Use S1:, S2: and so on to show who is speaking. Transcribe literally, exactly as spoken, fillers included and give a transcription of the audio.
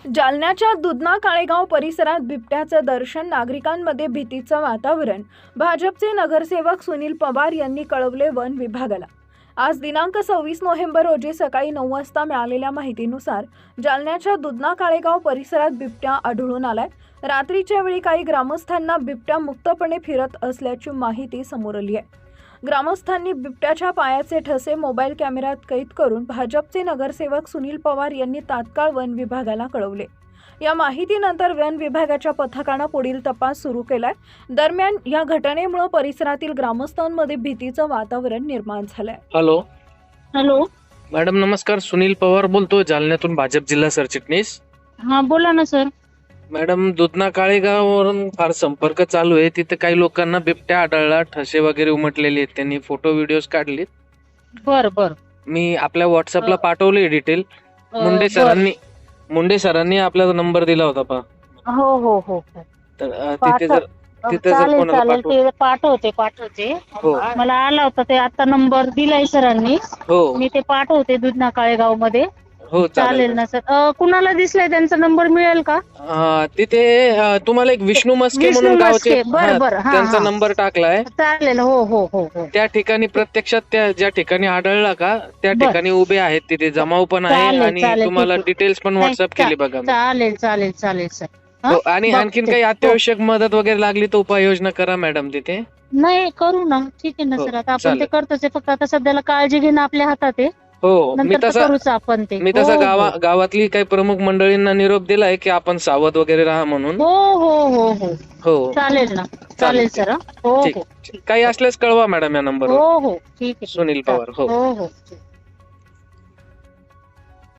S1: जालन्याच्या दुधना काळेगाव परिसरात बिबट्याचं दर्शन, नागरिकांमध्ये भीतीचं वातावरण. भाजपचे नगरसेवक सुनील पवार यांनी कळवले वन विभागाला. आज दिनांक सव्वीस नोव्हेंबर रोजी सकाळी नऊ वाजता मिळालेल्या माहितीनुसार जालन्याच्या दुधना काळेगाव परिसरात बिबट्या आढळून आलाय. रात्रीच्या वेळी काही ग्रामस्थांना बिबट्या मुक्तपणे फिरत असल्याची माहिती समोर आली आहे. ग्रामस्थांनी बिबट्याच्या पायाचे ठसे मोबाईल कॅमेऱ्यात कैद करून भाजपचे नगरसेवक सुनील पवार यांनी तात्काळ वन विभागाला कळवले. या माहितीनंतर वन विभागाच्या पथकानं पुढील तपास सुरू केलाय. दरम्यान या घटनेमुळे परिसरातील ग्रामस्थांमध्ये भीतीचं वातावरण निर्माण झालंय.
S2: हॅलो
S3: हॅलो
S2: मॅडम, नमस्कार. सुनील पवार बोलतो, जालन्यातून भाजप जिल्हा सरचिटणीस.
S3: हा बोला ना सर.
S2: मॅडम, दुधना काळेगाववरून फार संपर्क चालू आहे. तिथे काही लोकांना बिबट्या आढळला, ठसे वगैरे उमटलेले आहेत. त्यांनी फोटो व्हिडिओज काढले.
S3: बर बर
S2: मी आपल्या व्हॉट्सअपला पाठवले डिटेल.
S3: अ,
S2: मुंडे
S3: बर.
S2: सरांनी मुंडे सरांनी आपला नंबर दिला होता पहा.
S3: हो हो हो
S2: तर अ, तिथे जर तिथे जर
S3: चालेल
S2: कोणाला
S3: चालेल
S2: पाठव
S3: ते पाठवते पाठवते
S2: हो
S3: मला आला होता ते आता नंबर दिलाय सरांनी.
S2: हो
S3: मी ते पाठवते दुधना काळेगाव मध्ये.
S2: हो
S3: चालेल
S2: चालेल
S3: ना सर. कुणाला दिसलाय त्यांचा नंबर मिळेल का?
S2: अ, तिथे अ, तुम्हाला एक विष्णू मस्के
S3: विष्णू
S2: म्हणून गावचे,
S3: मस्के. बरं,
S2: हा,
S3: बरं. हा,
S2: त्यांचा
S3: हा.
S2: नंबर टाकलाय.
S3: चालेल. हो हो हो हो
S2: त्या ठिकाणी प्रत्यक्षात त्या ज्या ठिकाणी आढळला का त्या
S3: बर.
S2: ठिकाणी उभे आहेत. तिथे जमाव पण आहे
S3: चालेल,
S2: आणि
S3: चालेल,
S2: तुम्हाला
S3: ठीक आहे.
S2: डिटेल्स पण
S3: नाही,
S2: व्हॉट्सअप केली
S3: चा-
S2: बघा मी.
S3: चालेल चालेल चालेल सर. हा?
S2: हो, आणि आणखीन
S3: बघते.
S2: काही
S3: हो.
S2: अत्यावश्यक मदत वगैरे लागली तर उपाययोजना करा मॅडम तिथे.
S3: नाही करू ना. ठीक आहे ना
S2: हो,
S3: सर. आता आपण
S2: चालेल.
S3: ते करतोच आहे. फक्त आता सध्याला काळजी घेणं आपल्या हातात आहे.
S2: हो, मी
S3: नंतर तर
S2: तसा
S3: करूच आपण ते.
S2: मी
S3: हो,
S2: तसा
S3: हो.
S2: गावा गावातली काही प्रमुख मंडळींना निरोप दिलाय की आपण सावध वगैरे राहा म्हणून.
S3: हो हो हो हो
S2: हो,
S3: चालेल ना. चालेल सर. हं? हो
S2: ठीक.
S3: हो
S2: काही असल्यास कळवा मॅडम या नंबरवर.
S3: हो हो ठीक आहे.
S2: सुनील पवार. हो
S3: हो हो